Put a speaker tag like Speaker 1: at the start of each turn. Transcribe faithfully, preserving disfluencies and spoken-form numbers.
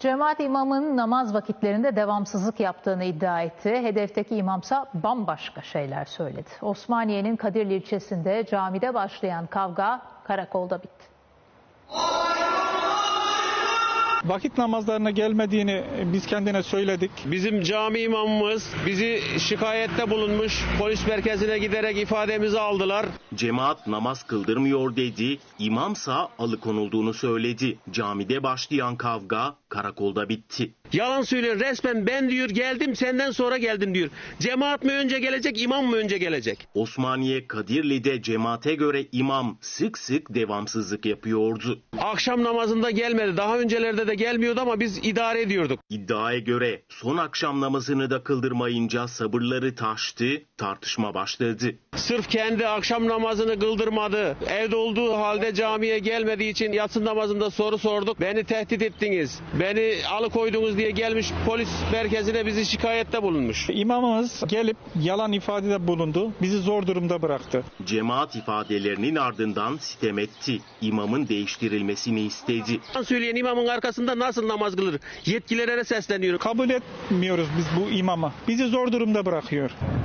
Speaker 1: Cemaat imamının namaz vakitlerinde devamsızlık yaptığını iddia etti. Hedefteki imamsa bambaşka şeyler söyledi. Osmaniye'nin Kadirli ilçesinde camide başlayan kavga karakolda bitti.
Speaker 2: Vakit namazlarına gelmediğini biz kendine söyledik.
Speaker 3: Bizim cami imamımız bizi şikayette bulunmuş. Polis merkezine giderek ifademizi aldılar.
Speaker 4: Cemaat namaz kıldırmıyor dedi, imamsa alıkonulduğunu söyledi. Camide başlayan kavga karakolda bitti.
Speaker 3: Yalan söylüyor resmen, ben diyor geldim senden sonra geldim diyor. Cemaat mi önce gelecek, imam mı önce gelecek?
Speaker 4: Osmaniye Kadirli'de cemaate göre imam sık sık devamsızlık yapıyordu.
Speaker 3: Akşam namazında gelmedi, daha öncelerde de gelmiyordu ama biz idare ediyorduk.
Speaker 4: İddiaya göre son akşam namazını da kıldırmayınca sabırları taştı, tartışma başladı.
Speaker 3: Sırf kendi akşam namazını kıldırmadı. Evde olduğu halde camiye gelmediği için yatsı namazında soru sorduk. Beni tehdit ettiniz, beni alıkoydunuz diye gelmiş polis merkezine bizi şikayette bulunmuş.
Speaker 2: İmamımız gelip yalan ifadede bulundu, bizi zor durumda bıraktı.
Speaker 4: Cemaat ifadelerinin ardından sitem etti, imamın değiştirilmesini istedi.
Speaker 3: Söyleyen imamın arkasında nasıl namaz kılır? Yetkililere sesleniyorum.
Speaker 2: Kabul etmiyoruz biz bu imamı, bizi zor durumda bırakıyor.